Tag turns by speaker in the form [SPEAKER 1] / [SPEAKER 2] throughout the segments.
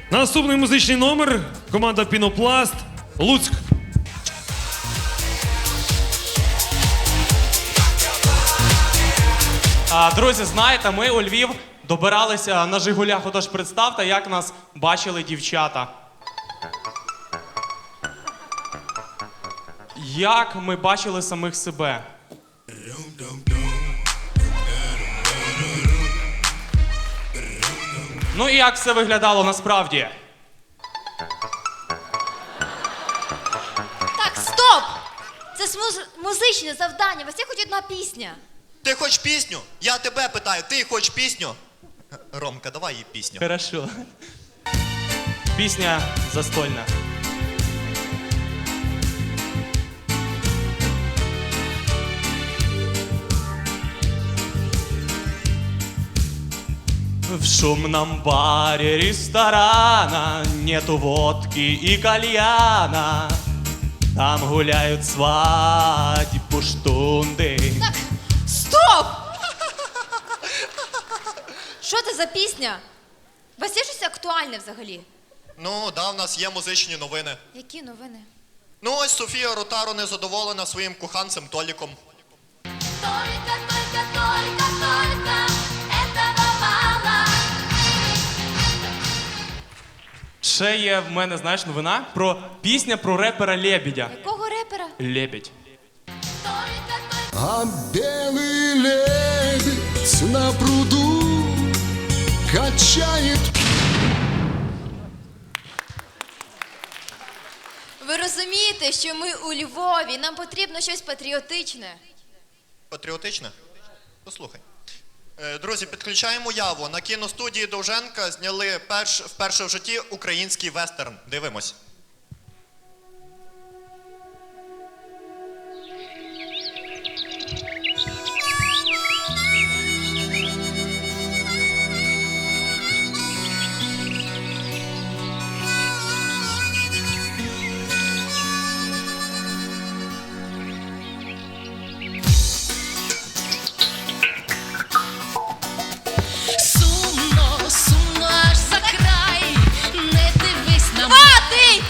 [SPEAKER 1] Наступний музичний номер. Команда Пінопласт. Луцьк.
[SPEAKER 2] Друзі, знаєте, ми у Львів добиралися на Жигулях. Отож, представте, як нас бачили дівчата. Як ми бачили самих себе. Ну і як все виглядало насправді.
[SPEAKER 3] Так, стоп! Це ж музичне завдання, у вас є хоч одна пісня.
[SPEAKER 4] Ти хочеш пісню? Я тебе питаю, ти хочеш пісню? Ромка, давай їй пісню.
[SPEAKER 2] Хорошо. Пісня застольна. В шумном баре ресторана нету водки и кальяна. Там гуляют свадьбу штунды.
[SPEAKER 3] Так, стоп! Що це за пісня? У вас є щось актуальне взагалі?
[SPEAKER 4] Ну, да, в нас є музичні новини.
[SPEAKER 3] Які новини?
[SPEAKER 4] Ну, ось Софія Ротару незадоволена своїм коханцем Толіком.
[SPEAKER 3] Только этого мало.
[SPEAKER 2] Ще є в мене, знаєш, новина про пісня про репера Лебедя.
[SPEAKER 3] Якого репера?
[SPEAKER 2] Лебедь.
[SPEAKER 5] А белый лебедь на пруду качает.
[SPEAKER 3] Ви розумієте, що ми у Львові, нам потрібно щось патріотичне.
[SPEAKER 4] Патріотичне? Послухай. Друзі, підключаємо яву. На кіностудії Довженка зняли вперше в житті український вестерн. Дивимось.
[SPEAKER 6] Сумно, сумно аж за край, не дивись на мене.
[SPEAKER 3] Хватить!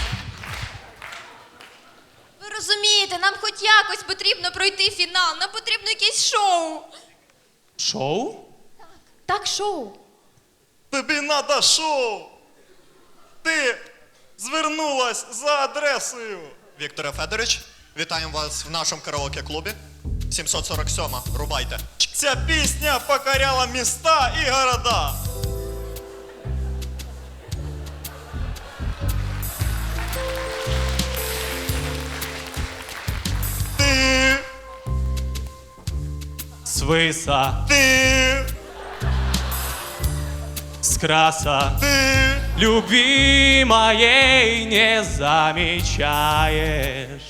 [SPEAKER 3] Ви розумієте, нам хоч якось потрібно пройти фінал, нам потрібно якесь шоу.
[SPEAKER 2] Шоу?
[SPEAKER 3] Так, шоу.
[SPEAKER 7] Тобі надо шоу. Ти звернулась за адресою.
[SPEAKER 4] Вікторе Федорович, вітаємо вас в нашому караоке-клубі. 747, рубайте.
[SPEAKER 7] Ця пісня покоряла міста і города. Ти,
[SPEAKER 2] Свиса,
[SPEAKER 7] ти,
[SPEAKER 2] с краса,
[SPEAKER 7] ти.
[SPEAKER 2] любви моей не замечаешь.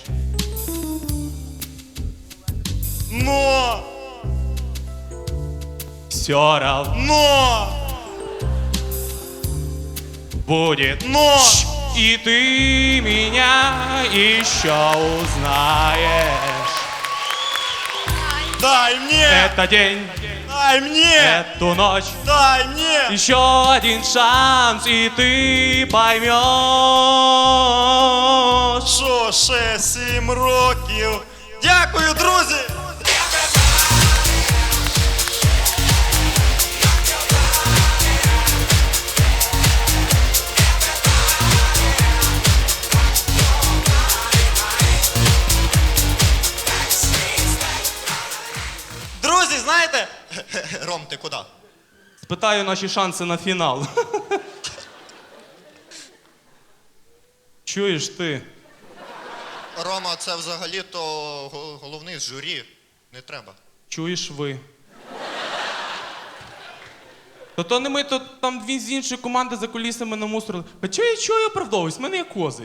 [SPEAKER 7] Но,
[SPEAKER 2] Все равно будет
[SPEAKER 7] но.
[SPEAKER 2] и ты меня еще узнаешь.
[SPEAKER 7] Дай мне,
[SPEAKER 2] Это день,
[SPEAKER 7] дай мне,
[SPEAKER 2] эту ночь,
[SPEAKER 7] дай мне.
[SPEAKER 2] еще один шанс, и ты поймешь.
[SPEAKER 7] Що ще 7 років. Дякую, друзі! Друзі, знаєте,
[SPEAKER 4] Ром, ти куди?
[SPEAKER 2] Спитаю наші шанси на фінал. Чуєш ти?
[SPEAKER 4] Рома, це взагалі-то головний з журі. Не треба.
[SPEAKER 2] Чуєш ви? То не ми, то там він з іншої команди за кулісами намусорили. А чого я оправдовуюсь? В мене є козир.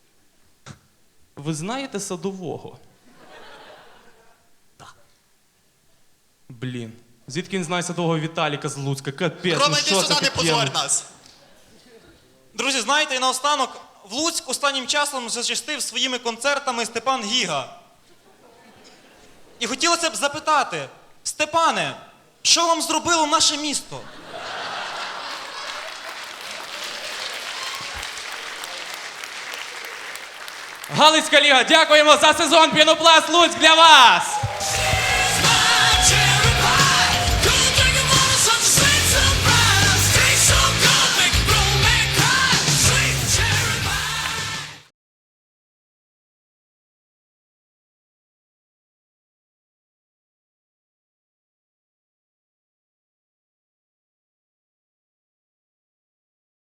[SPEAKER 2] Ви знаєте Садового? Так. Блін. Звідки він знає Садового Віталіка з Луцька? Капець,
[SPEAKER 4] Рома,
[SPEAKER 2] ну
[SPEAKER 4] йди
[SPEAKER 2] що
[SPEAKER 4] сюди,
[SPEAKER 2] це
[SPEAKER 4] не
[SPEAKER 2] таке?
[SPEAKER 4] позорь нас.
[SPEAKER 7] Друзі, знаєте, і наостанок, в Луцьк останнім часом зачастив своїми концертами Степан Гіга. І хотілося б запитати, Степане, що вам зробило наше місто?
[SPEAKER 8] Галицька ліга, дякуємо за сезон Пінопласт Луцьк для вас!